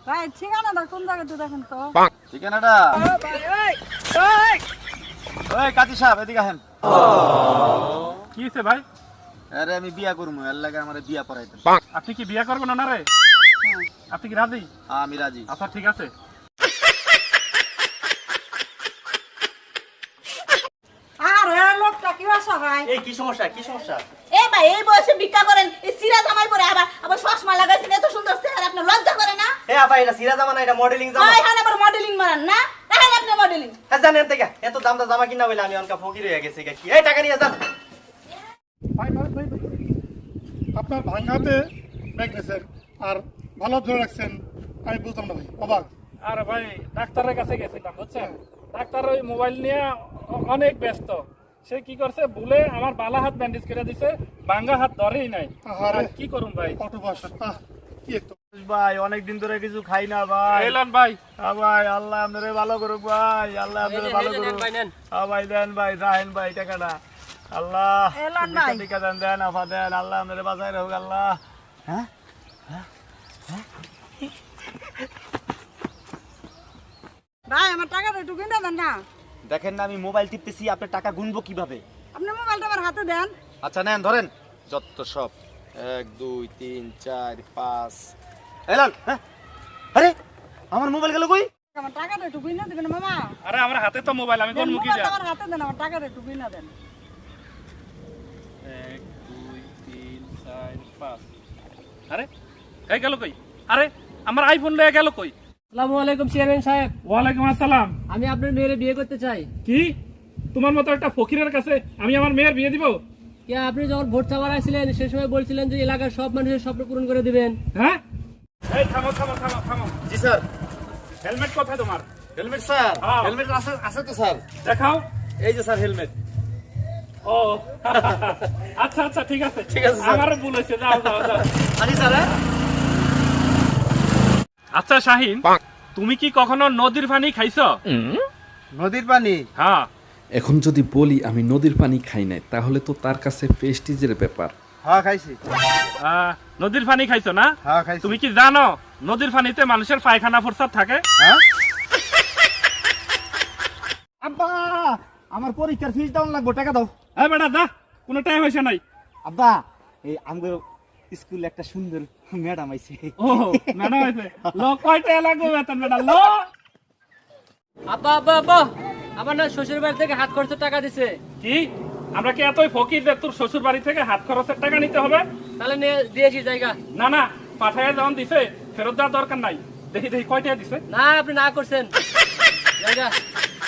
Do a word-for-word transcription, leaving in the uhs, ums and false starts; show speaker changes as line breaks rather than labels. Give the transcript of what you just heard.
ভাই ঠিকানাটা কোন জায়গাতে দেখেন তো?
ঠিকানাটা ওই কাজী সাহেব এদিকে আসেন।
কি হয়েছে ভাই?
আরে আমি বিয়া করবো, এর লাগে আমার বিয়া পড়াইতেন।
আপনি কি বিয়ে করবেন না রে? আপনি কি রাজি?
আমি রাজি।
আচ্ছা ঠিক আছে।
আর এই লোকটা কি বাসা ভাই?
এই কি সমস্যা কি সমস্যা?
এ ভাই এই বয়সে ভিক্ষা করেন, এই সিরা জামাই পরে আবার আবার চশমা লাগাইছেন, এত সুন্দর চেহারা, আপনার লজ্জা করে না?
এ আপা এটা সিরা জামা না, এটা মডেলিং জামা।
ভাই হান আবার মডেলিং মারান না? দেখেন আপনি মডেলিং।
হ্যাঁ জানেন থেকে এত দাম দা জামা কিনা বলে আমি অনকা ফকির হয়ে গেছি কি? এই টাকা নিয়ে যান।
ভাই ভাই ভাই ভাই। আপনার ভাঙাতে ব্যাগ নিয়েছেন আর ভালো ধরে রাখছেন, আমি বুঝলাম না ভাই, অবাক।
আর ভাই ডাক্তারের কাছে গেছিলাম বুঝছেন, ডাক্তার ওই মোবাইল নিয়ে অ- অনেক ব্যস্ত। সে কি করছে, ভুলে আমার বালা হাত ব্যান্ডেজ করে দিছে, ভাঙ্গা হাত ধরেই নাই।
আহারে।
আর কি করুন ভাই?
অটো বাস আহ কি একটু
ভাই অনেকদিন ধরে কিছু খাই না ভাই।
এলান ভাই,
হ্যাঁ ভাই, আল্লাহ আপনারে ভালো করুক ভাই, আল্লাহ আপনারে ভালো করুক। হ্যাঁ ভাই দেন ভাই, রাহেন ভাই টাকাটা। আল্লাহ
এলান ভাই।
টিকা দেন, দেন আফা দেন, আল্লাহ আপনারে বাঁচাই রাখুক আল্লাহ। হ্যাঁ
ভাই আমার টাকাটা একটু কিনে দেন না।
দেখেন না আমি মোবাইল টিপতেছি, আপনার টাকা গুনবো কিভাবে?
আপনি মোবাইলটা আমার হাতে দেন।
আচ্ছা নেন ধরেন, যত সব এক দুই তিন চার পাঁচ। এলান, হ্যাঁ আরে আমার মোবাইল গেল কই?
আমার টাকাটা একটু কিনে দিবেন মামা।
আরে আমার হাতে তো মোবাইল, আমি কোন মুখে
মোবাইলটা
যা?
আমার হাতে দেন, আমার টাকাটা একটু কিনে দেন।
এক দুই তিন চার পাঁচ। আরে এই গেল কই? আরে আমার আইফোন লয়ে গেল কই?
আসসালামু আলাইকুম চেয়ারম্যান সাহেব,
ওয়ালাইকুম আসসালাম।
আমি আপনার মেয়ের বিয়ে করতে চাই।
কি তোমার মতো একটা ফকিরের কাছে আমি আমার মেয়ের বিয়ে দিব?
কে আপনি যখন ভোট চাওয়ার আসছিলেন সে সময় বলছিলেন যে এলাকার সব মানুষের স্বপ্ন পূরণ করে দিবেন।
হ্যাঁ এই থামো থামো থামো থামো।
জি স্যার।
হেলমেট কোথায় তোমার?
Helmet sir?
হ্যাঁ।
হেলমেট আছে আছে তো স্যার।
দেখাও।
এই যে স্যার হেলমেট।
ও আচ্ছা আচ্ছা ঠিক আছে
ঠিক আছে, স্যার।
আমারও ভুল হয়েছে, যাও যাও যাও।
আনি স্যার। হ্যাঁ?
আচ্ছা শাহিন, তুমি কি কখনো নদীর পানি খাইছো?
নদীর পানি?
হ্যাঁ।
এখন যদি বলি আমি নদীর পানি খাই নাই, তাহলে তো তার কাছে প্রেস্টিজের ব্যাপার।
হ্যাঁ খাইছি।
আহ, নদীর পানি খাইছো না?
হ্যাঁ খাইছি।
তুমি কি জানো নদীর পানিতে মানুষের পায়খানা প্রস্রাব থাকে?
হ্যাঁ? আব্বা আমার পরীক্ষার ফিস ডাউন লাগবে, টাকা দাও।
হ্যাঁ বেটা যা, কোনো টাইম হয়েছে নাই।
আব্বা এই আমাদের স্কুলে একটা সুন্দর ম্যাডাম আইছে।
ও ম্যাডাম হয়েছে, লো কয়টা লাগবে বেতন বেটা লো।
আব্বা আব্বা আব্বা, আমার না শ্বশুর বাড়ি থেকে হাত খরচের টাকা দিছে।
কি আমরা কি এতই ফকির যে তোর শ্বশুর বাড়ি থেকে হাত খরচের টাকা নিতে হবে?
তাহলে নিয়ে দিয়েছি জায়গা।
না না, পাঠায় যখন দিছে ফেরত দেওয়ার দরকার নাই। দেখি দেখি কয়টা দিছে।
না আপনি না করছেন জায়গা।